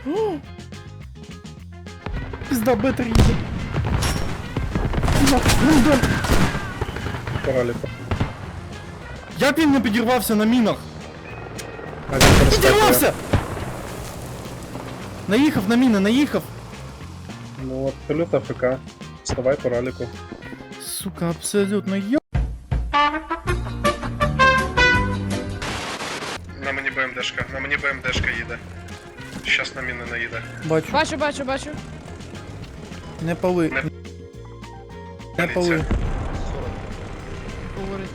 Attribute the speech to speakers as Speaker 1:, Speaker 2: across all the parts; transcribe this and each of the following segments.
Speaker 1: Пизда, бетер їде. Пизда,
Speaker 2: Параліку.
Speaker 1: як він не підірвався на мінах?
Speaker 2: А він перескакує.
Speaker 1: Підірвався! Наїхав на міни, наїхав.
Speaker 2: Ну, абсолютно ФК. Вставай по раліку.
Speaker 1: Сука, абсолютно йо...
Speaker 2: На мені БМДшка, їде. Щас на міни наїде.
Speaker 1: Бачу.
Speaker 3: Бачу.
Speaker 1: Не пали. Не пали.
Speaker 3: Говорить.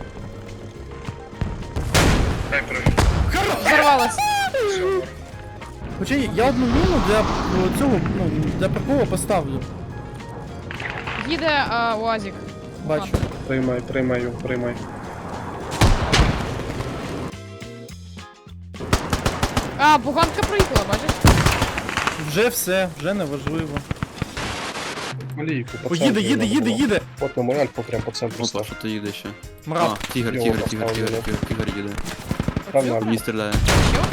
Speaker 2: Дай прыг.
Speaker 3: Взорвалась.
Speaker 1: Хоча я одну міну для цього, ну, для приколу поставлю.
Speaker 3: Їде УАЗик.
Speaker 1: Бачу.
Speaker 2: Приймай.
Speaker 3: Буганка проїхала, бачиш?
Speaker 1: Вже все, вже не важливо.
Speaker 2: Малійку, по
Speaker 1: О,
Speaker 2: центру
Speaker 1: їде.
Speaker 2: надо було. От на Альфу прям по центру
Speaker 4: Опа,
Speaker 2: став.
Speaker 4: що то їде ще?
Speaker 1: Мрап.
Speaker 4: А, тігр
Speaker 2: Його
Speaker 4: їде.
Speaker 2: Прям на Альфу.
Speaker 4: Мені стріляє.
Speaker 3: Що?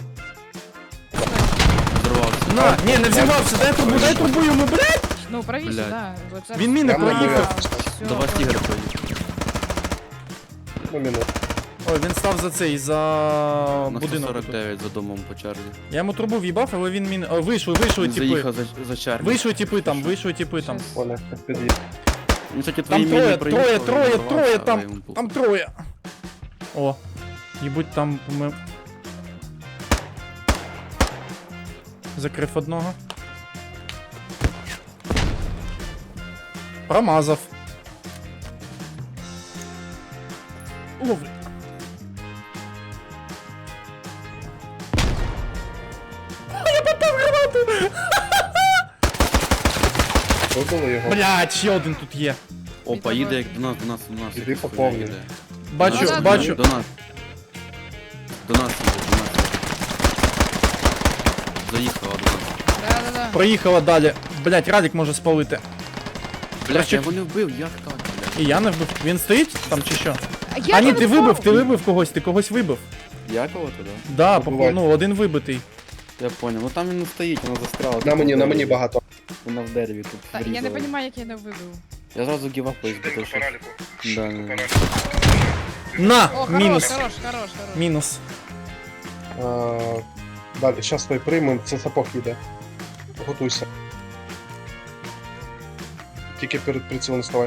Speaker 4: Взорвався.
Speaker 1: На, ні, не взірвався, дай трубу йому, блядь!
Speaker 3: Ну, правіше,
Speaker 4: Блядь.
Speaker 3: да. Оце
Speaker 1: Він міни
Speaker 2: Прямо на
Speaker 1: проїхав.
Speaker 3: Всё,
Speaker 4: До вас
Speaker 3: понял.
Speaker 4: тігр проїде.
Speaker 2: Ну, міну.
Speaker 1: Ой, він став за цей, за
Speaker 4: На
Speaker 1: будинок.
Speaker 4: 149 за домом по чарлі.
Speaker 1: Я йому трубу в'їбав, але він міни... О, вийшли
Speaker 4: Він
Speaker 1: типи.
Speaker 4: заїхав за чарлі.
Speaker 1: Вийшли типи там.
Speaker 3: Щас.
Speaker 2: Оля, під'їзд.
Speaker 4: Ну, кстати,
Speaker 1: Там
Speaker 4: твої міни
Speaker 1: троє,
Speaker 4: проїхали,
Speaker 1: троє,
Speaker 4: він взорвався, але
Speaker 1: там,
Speaker 4: йому похуй.
Speaker 1: там троє. О, їбуть там ми... Закрив одного. Промазав. Лови. Я попав гранату!
Speaker 2: Вибили його.
Speaker 1: Блядь, ще один тут є.
Speaker 4: Опа, їде як до нас.
Speaker 2: Іди
Speaker 4: якась
Speaker 2: по
Speaker 4: хуйня
Speaker 2: повній.
Speaker 4: їде.
Speaker 1: Бачу,
Speaker 3: Назад.
Speaker 1: бачу.
Speaker 4: До нас. До нас їде. Заїхала до нас.
Speaker 3: Да.
Speaker 1: Проїхала далі. Блядь, Радік може спалити.
Speaker 4: Блядь, я його не вбив, як так, блядь?
Speaker 1: І я не вбив. Він стоїть там чи що?
Speaker 3: Я
Speaker 1: А ні,
Speaker 3: не
Speaker 1: ти
Speaker 3: впав.
Speaker 1: вибив когось, ти когось вибив.
Speaker 4: Я кого-то, да?
Speaker 1: Да,
Speaker 2: Вбивай.
Speaker 1: ну один вибитий.
Speaker 4: Я понял. Ну там він не стоїть, вона застряла.
Speaker 2: На мені багато.
Speaker 4: Вона в дереві тут.
Speaker 3: Та, я не
Speaker 4: врізала.
Speaker 3: розумію, як я не вибив.
Speaker 4: Я зразу гівап поїздив, що... Да.
Speaker 1: На!
Speaker 3: О,
Speaker 1: Мінус.
Speaker 3: хорош.
Speaker 1: Мінус.
Speaker 2: Далі, щас той приймем, це сапог їде. Готуйся. Тільки перед прицілом ставай.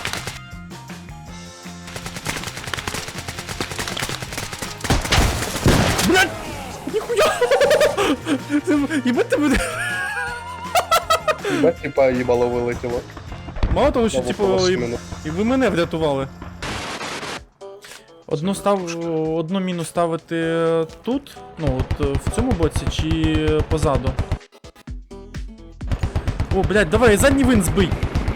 Speaker 1: Блядь! Ніхуя! Єбать тебе...
Speaker 2: Бать, типа, їбало вилетіло.
Speaker 1: Мало того, що
Speaker 2: Знову
Speaker 1: типу,
Speaker 2: коло
Speaker 1: і
Speaker 2: спину.
Speaker 1: ви мене врятували. Одну міну ставити тут, ну от в цьому боці, чи позаду? О, блядь, давай, задній вин збий!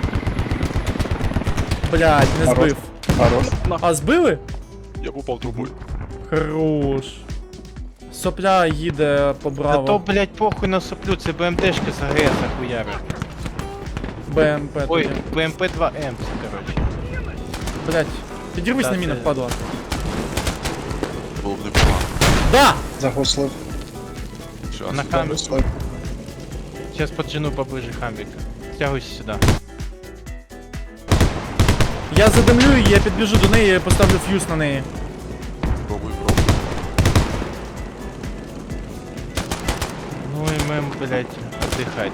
Speaker 1: Блядь, не
Speaker 2: Хорош.
Speaker 1: збив.
Speaker 2: Хорош.
Speaker 1: А збили?
Speaker 5: Я попав трубою.
Speaker 1: Хорош. Сопля їде по
Speaker 6: Да
Speaker 1: браво.
Speaker 6: то, блять, похуй на соплю, це БМДшка з АГС хуярить.
Speaker 1: БМП
Speaker 6: Ой,
Speaker 1: тоді.
Speaker 6: БМП-2М, короче.
Speaker 1: Блядь, підірвись
Speaker 6: Да,
Speaker 1: на мінах,
Speaker 6: це-
Speaker 1: падла.
Speaker 5: Було б непогано.
Speaker 1: Да!
Speaker 2: Загуслив.
Speaker 5: Щас.
Speaker 6: На камеру.
Speaker 2: Загуслив.
Speaker 6: Сейчас поджену поближе хамбика. Стягуйся сюда.
Speaker 1: Я задимлю її, я підбіжу до неї, поставлю фьюз на неї.
Speaker 5: Пробуй.
Speaker 6: Ну и мем, блять, отдыхать.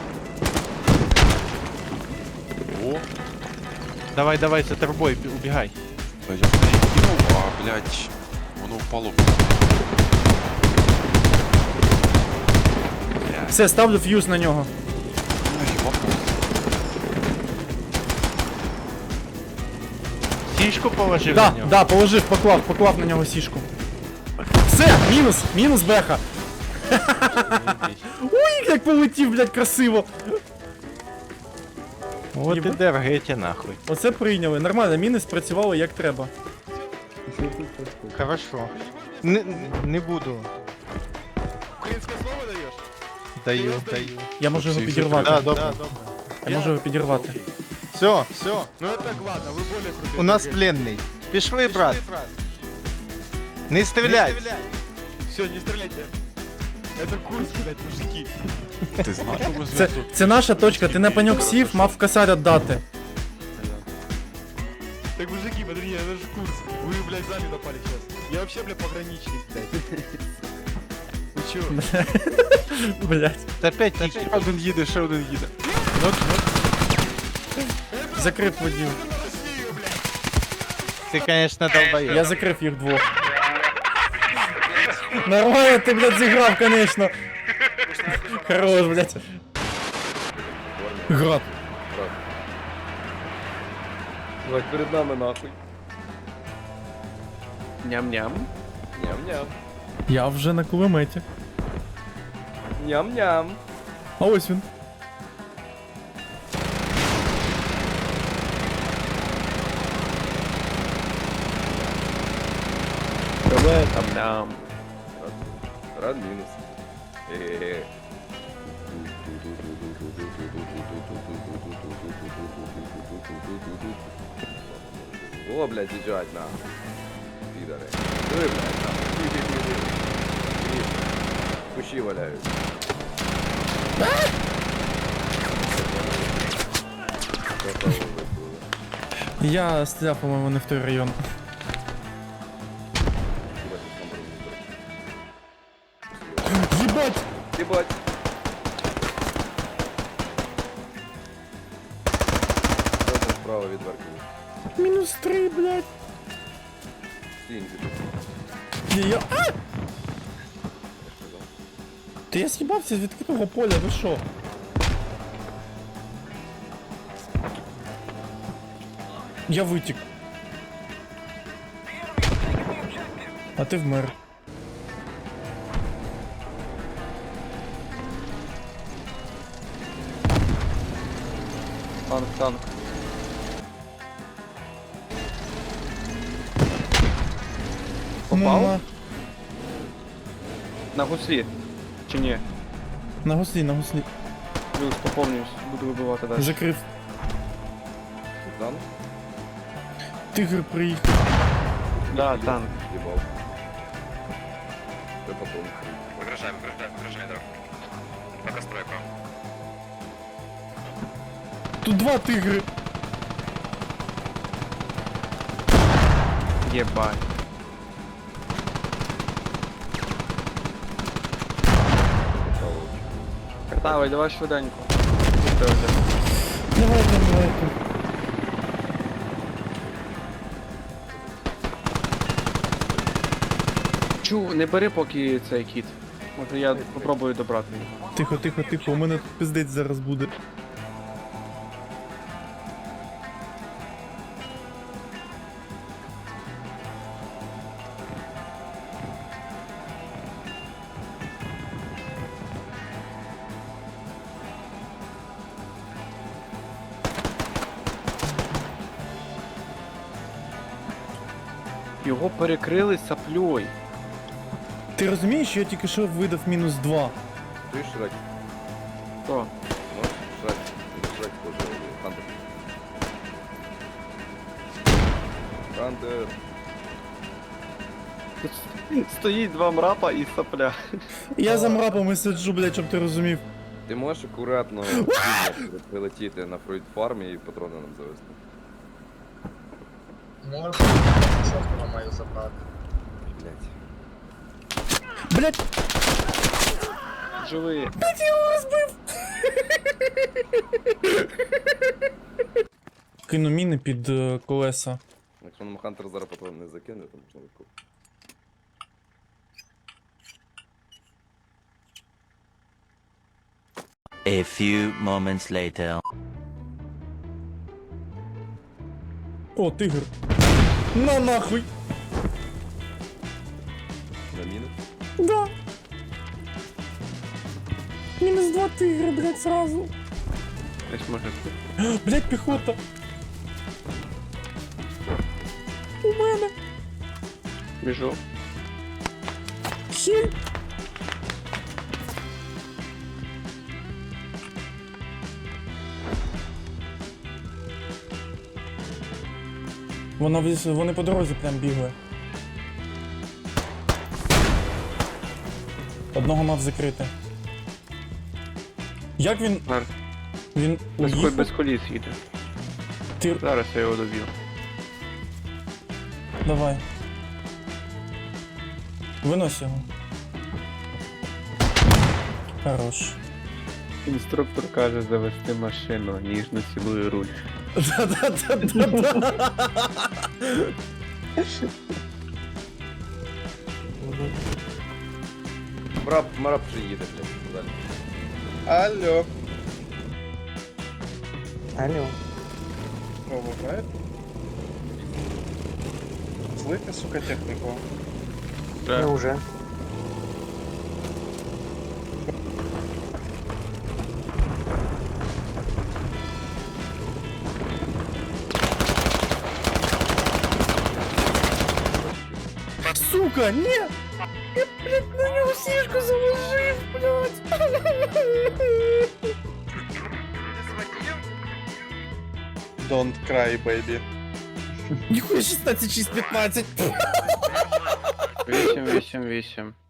Speaker 5: О,
Speaker 6: Давай, за тобой, убегай.
Speaker 5: та я в неї кинув, а, блядь, воно впало. Блядь,
Speaker 1: Все, ставлю фьюз на нього.
Speaker 5: їбапу.
Speaker 6: Сишку положи
Speaker 1: Да,
Speaker 6: на него.
Speaker 1: да, поклав на нього сішку. Все, мінус беха. Ой, як полетів, блядь, красиво.
Speaker 6: Вот и
Speaker 1: Ебать.
Speaker 6: дергайте нахуй.
Speaker 1: Оце прийняли. Нормально, міни спрацювали як треба.
Speaker 6: Хорошо. Не буду.
Speaker 5: Українське слово даєш?
Speaker 6: Даю.
Speaker 1: Я можу його
Speaker 5: Всі
Speaker 1: підірвати.
Speaker 6: Да, добре.
Speaker 1: Я можу його підірвати.
Speaker 6: Все,
Speaker 5: Ну это ладно, ви более крутий.
Speaker 6: у нас пленный. Пішли, брат. Не стріляй.
Speaker 5: Все, не стріляйте.
Speaker 6: Это Курск, блядь, мужики.
Speaker 5: Ти знаєш?
Speaker 1: Це наша точка, ти на пеньок сів, мав в косарь віддати.
Speaker 6: Так, мужики, подожди, это же Курск. Вы, блядь, сами напали сейчас. Я вообще, блядь, пограничник, блядь. Вы чё?
Speaker 1: Блять.
Speaker 6: Та опять, ще один їде, ще один їде.
Speaker 1: Закрив водів.
Speaker 6: Ти, конечно, долбоєб.
Speaker 1: Я закрив їх двох. Нормально ти, блядь, зіграв, конечно. Хорош, блядь. Град.
Speaker 7: Давай, перед нами нахуй.
Speaker 4: Ням-ням.
Speaker 7: Ням-ням.
Speaker 1: Я вже на кулеметі.
Speaker 7: Ням-ням.
Speaker 1: А ось він.
Speaker 7: Давай там ням. Рад мінус. Е-е-е. О, блядь, з'їжджать на. Підари. Диви, блядь, на. Кущі валяють.
Speaker 1: Я стріляв, по-моєму, не в той район. Єбать!
Speaker 7: Ебать. Що там справа від Варкова?
Speaker 1: Мінус 3, блядь.
Speaker 7: Стінь,
Speaker 1: Я... А! Та я з'їбався з відкритого поля, ви що? Я витік. А ти вмер.
Speaker 4: Танк, танк.
Speaker 1: Попав?
Speaker 4: На гуслі. Чи ні?
Speaker 1: На гуслі, на гуслі.
Speaker 4: Плюс, поповнююсь, буду вибивати далі.
Speaker 1: Закрив.
Speaker 7: Дан?
Speaker 1: Тигр приїхав.
Speaker 4: Да, танк.
Speaker 7: Ебал. Це потом.
Speaker 2: Вигражай, дров. Пока стройка.
Speaker 1: Тут два тигри.
Speaker 4: Єбать. Давай, давай швиденько.
Speaker 1: Давайте, давайте.
Speaker 4: Чу, не бери поки цей кіт. Може я попробую добрати його.
Speaker 1: Тихо, тихо, тихо, у мене тут пиздець зараз буде.
Speaker 4: Його перекрили сапльой.
Speaker 1: Ти розумієш, що я тільки що видав мінус 2?
Speaker 7: Ти Шрек.
Speaker 4: Хто?
Speaker 7: Можеш? Шрек. Шрек тоже. Хантер. Хантер.
Speaker 4: Тут стоїть два мрапа і сапля.
Speaker 1: Я за мрапами сиджу, блядь, щоб ти розумів.
Speaker 7: Ти можеш акуратно прилетіти на фруйт фармі і патрони нам завести.
Speaker 8: Можна, шоткова маю забрати.
Speaker 7: Блять.
Speaker 1: Блядь,
Speaker 4: Живи.
Speaker 1: кину міни під колеса.
Speaker 7: Якщо нам Хантер зараз патрон не закине, то можна легко.
Speaker 9: A few moments later.
Speaker 1: О, тигр. На нахуй.
Speaker 7: На міну?
Speaker 1: Да. Мінус 2 тигри, блядь, сразу.
Speaker 4: Десь може.
Speaker 1: Блядь, піхота. У мене.
Speaker 4: Біжу.
Speaker 1: Хіль. Вони по дорозі прям бігли. Одного мав закрити. Як він.
Speaker 4: Зараз.
Speaker 1: Він
Speaker 4: Без,
Speaker 1: уїхав?
Speaker 4: без коліс їде.
Speaker 1: Ти...
Speaker 4: Зараз я його доб'ю.
Speaker 1: Давай. Винось його. Хорош.
Speaker 4: Інструктор каже завести машину, ніжно цілує руль.
Speaker 1: Да-да-да-да-да.
Speaker 7: Мараб вже їде, блядь, далі.
Speaker 2: Алло.
Speaker 8: Алло.
Speaker 2: О, бывает? Злите, сука, технику.
Speaker 8: Ну уже.
Speaker 1: Сука, ні! Я, блядь, на нього сішку заложив, блядь!
Speaker 2: Don't cry, baby.
Speaker 1: Ніхуя 16-6-15!
Speaker 4: 8-8-8.